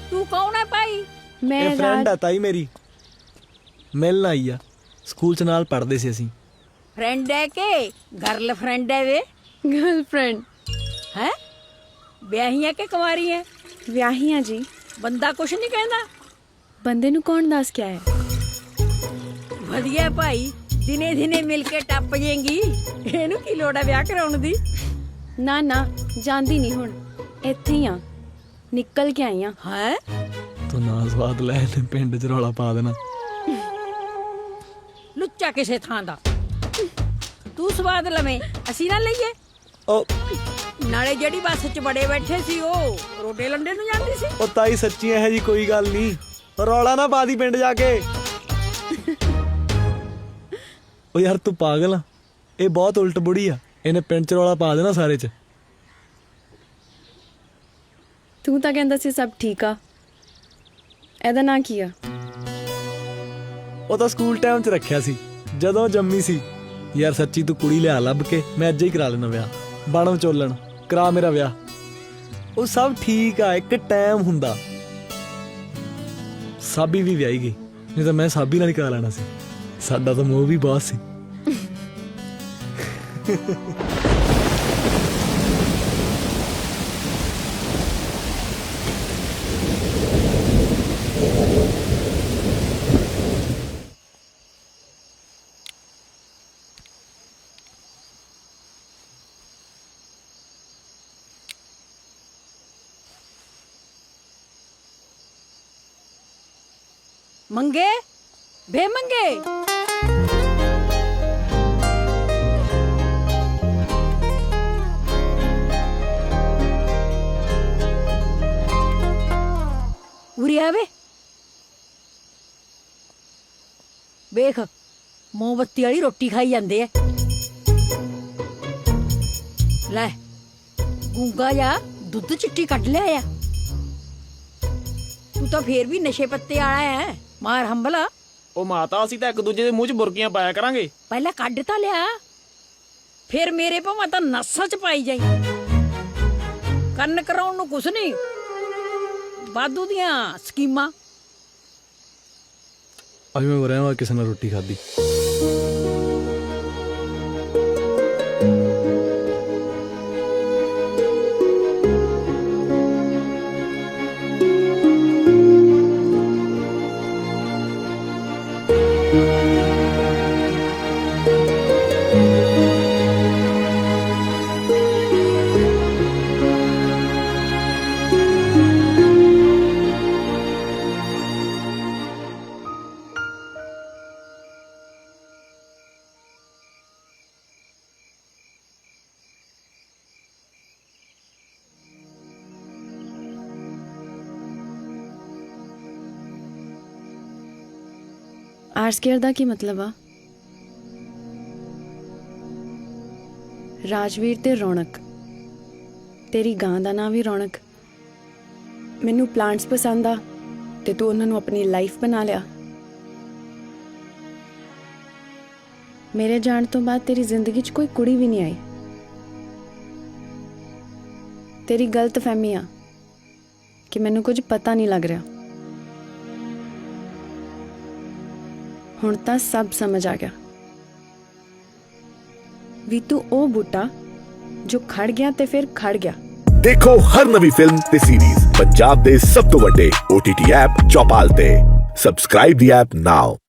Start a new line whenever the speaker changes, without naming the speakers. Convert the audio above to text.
ਤੂੰ ਕੌਣ ਹੈ ਭਾਈ?
ਮੈਂ
ਇਹ ਫਰੈਂਡ ਆ ਤਾਈ ਮੇਰੀ, ਮਿਲਣ ਆਈ ਆ। ਸਕੂਲ ਚ ਨਾਲ ਪੜ੍ਹਦੇ ਸੀ ਅਸੀਂ।
ਫਰੈਂਡ ਹੈ ਕਿ ਗਰਲ ਫਰੈਂਡ ਹੈ ਵੇ?
ਗਰਲਫ੍ਰੈਂਡ।
ਹੈ ਵਿਆਹੀ ਹੈ ਕਿ ਕੁਆਰੀ ਹੈ?
ਵਿਆਹੀ ਆ ਜੀ।
ਬੰਦਾ ਕੁਛ ਨਹੀਂ ਕਹਿੰਦਾ?
ਬੰਦੇ ਨੂੰ ਕੌਣ ਦੱਸ ਕੇ ਆਇਆ?
ਵਧੀਆ ਭਾਈ, ਦਿਨੇ ਦਿਨੇ ਮਿਲ ਕੇ ਟੱਪ ਜਾਏਗੀ। ਇਹਨੂੰ ਕੀ ਲੋੜ ਹੈ ਵਿਆਹ ਕਰਾਉਣ ਦੀ?
ਨਾ ਨਾ, ਜਾਂਦੀ ਨਹੀਂ ਹੁਣ, ਇੱਥੇ ਹੀ ਆ, ਨਿਕਲ ਕੇ ਆਈ ਆ।
ਹੈ
ਤੂੰ ਨਾ ਸਵਾਦ ਲੈ ਤੇ ਪਿੰਡ ਚ ਰੌਲਾ ਪਾ ਦੇਣਾ।
ਲੁੱਚਾ ਕਿਸੇ ਥਾਂ ਦਾ। ਤੂੰ ਸਵਾਦ ਲਵੇਂ, ਅਸੀਂ ਨਾ ਲਈਏ।
ਉਹ
ਨਾਲੇ ਜਿਹੜੀ ਬੱਸ 'ਚ ਬੜੇ ਬੈਠੇ ਸੀ ਉਹ ਰੋਡੇ ਲੰਡੇ ਨੂੰ ਜਾਂਦੀ ਸੀ।
ਉਹ ਤਾਈ ਸੱਚੀ ਇਹੋ ਜੀ ਕੋਈ ਗੱਲ ਨਹੀਂ, ਰੌਲਾ ਨਾ ਪਾ ਦੀ ਪਿੰਡ ਜਾ ਕੇ। ਉਹ ਯਾਰ ਤੂੰ ਪਾਗਲ ਆ, ਇਹ ਬਹੁਤ ਉਲਟ ਬੁੜੀ ਆ, ਇਹਨੇ ਪਿੰਡ ਚ ਰੌਲਾ ਪਾ ਦੇਣਾ ਸਾਰੇ ਚ।
ਤੂੰ ਤਾਂ ਕਹਿੰਦਾ ਸੀ ਸਭ ਠੀਕ ਆ, ਇਹਦਾ ਨਾਂ ਕੀ ਆ?
ਉਹ ਤਾਂ ਸਕੂਲ ਟਾਈਮ ਚ ਰੱਖਿਆ ਸੀ ਜਦੋਂ ਜੰਮੀ ਸੀ। ਯਾਰ ਸੱਚੀ ਤੂੰ ਕੁੜੀ ਲਿਆ ਲੱਭ ਕੇ, ਮੈਂ ਅੱਜ ਹੀ ਕਰਾ ਲੈਣਾ ਵਿਆਹ। ਬਣ ਵਿਚੋਲਣ, ਕਰਾ ਮੇਰਾ ਵਿਆਹ। ਉਹ ਸਭ ਠੀਕ ਆ, ਇੱਕ ਟਾਈਮ ਹੁੰਦਾ। ਸਾਬੀ ਵੀ ਵਿਆਹੀ ਗਈ, ਨਹੀਂ ਤਾਂ ਮੈਂ ਸਾਬੀ ਨਾਲ ਹੀ ਕਰਾ ਲੈਣਾ ਸੀ। ਸਾਡਾ ਤਾਂ ਮੋਹ ਵੀ ਬਹੁਤ ਸੀ।
ਮੰਗੇ ਬੇ ਮੰਗੇ, ਉਰੇ ਆਵੇ। ਵੇਖ ਮੋਮਬੱਤੀ ਵਾਲੀ ਰੋਟੀ ਖਾਈ ਜਾਂਦੇ ਐ। ਲੈ ਗੂੰਗਾ ਜਾ ਦੁੱਧ ਚਿੱਟੀ ਕੱਢ ਲਿਆ ਆ। ਤੂੰ ਤਾਂ ਫੇਰ ਵੀ ਨਸ਼ੇ ਪੱਤੇ ਵਾਲਾ ਹੈ। ਮਾਰ ਹੰਬਲਾ।
ਉਹ ਮਾਤਾ, ਅਸੀਂ ਤਾਂ ਇੱਕ ਦੂਜੇ ਦੇ ਮੂੰਹ 'ਚ ਬੁਰਕੀਆਂ ਪਾਇਆ ਕਰਾਂਗੇ।
ਪਹਿਲਾਂ ਕੱਢ ਤਾਂ ਲਿਆ, ਫਿਰ ਮੇਰੇ ਭਾਵੇਂ ਤਾਂ ਨਸਾਂ 'ਚ ਪਾਈ ਜਾਈ। ਕੰਨ ਕਰਾਉਣ ਨੂੰ ਕੁਛ ਨਹੀਂ, ਵਾਧੂ ਦੀਆਂ ਸਕੀਮਾਂ।
ਅੱਜ ਮੈਂ ਰਹਿਵਾਂ ਕਿਸੇ ਨਾਲ ਰੋਟੀ ਖਾਧੀ।
ਆਰ ਸਕੇਅਰ ਦਾ ਕੀ ਮਤਲਬ ਆ? ਰਾਜਵੀਰ ਤੇ ਰੌਣਕ। ਤੇਰੀ ਗਾਂ ਦਾ ਨਾਂ ਵੀ ਰੌਣਕ। ਮੈਨੂੰ ਪਲਾਂਟਸ ਪਸੰਦ ਆ ਤੇ ਤੂੰ ਉਹਨਾਂ ਨੂੰ ਆਪਣੀ ਲਾਈਫ ਬਣਾ ਲਿਆ। ਮੇਰੇ ਜਾਣ ਤੋਂ ਬਾਅਦ ਤੇਰੀ ਜ਼ਿੰਦਗੀ 'ਚ ਕੋਈ ਕੁੜੀ ਵੀ ਨਹੀਂ ਆਈ। ਤੇਰੀ ਗਲਤਫਹਿਮੀ ਆ ਕਿ ਮੈਨੂੰ ਕੁਝ ਪਤਾ ਨਹੀਂ ਲੱਗ ਰਿਹਾ। ਹੁਣ ਤਾਂ ਸਭ ਸਮਝ ਆ ਗਿਆ ਵੀ ਤੂੰ ਉਹ ਬੂਟਾ ਜੋ ਖੜ ਗਿਆ ਤੇ ਫਿਰ ਖੜ ਗਿਆ।
ਦੇਖੋ ਹਰ ਨਵੀਂ ਫਿਲਮ ਤੇ ਸੀਰੀਜ਼ ਪੰਜਾਬ ਦੇ ਸਭ ਤੋਂ ਵੱਡੇ OTT ਐਪ ਚੌਪਾਲ ਤੇ। ਸਬਸਕ੍ਰਾਈਬ ਦੀ ਐਪ ਨਾਓ।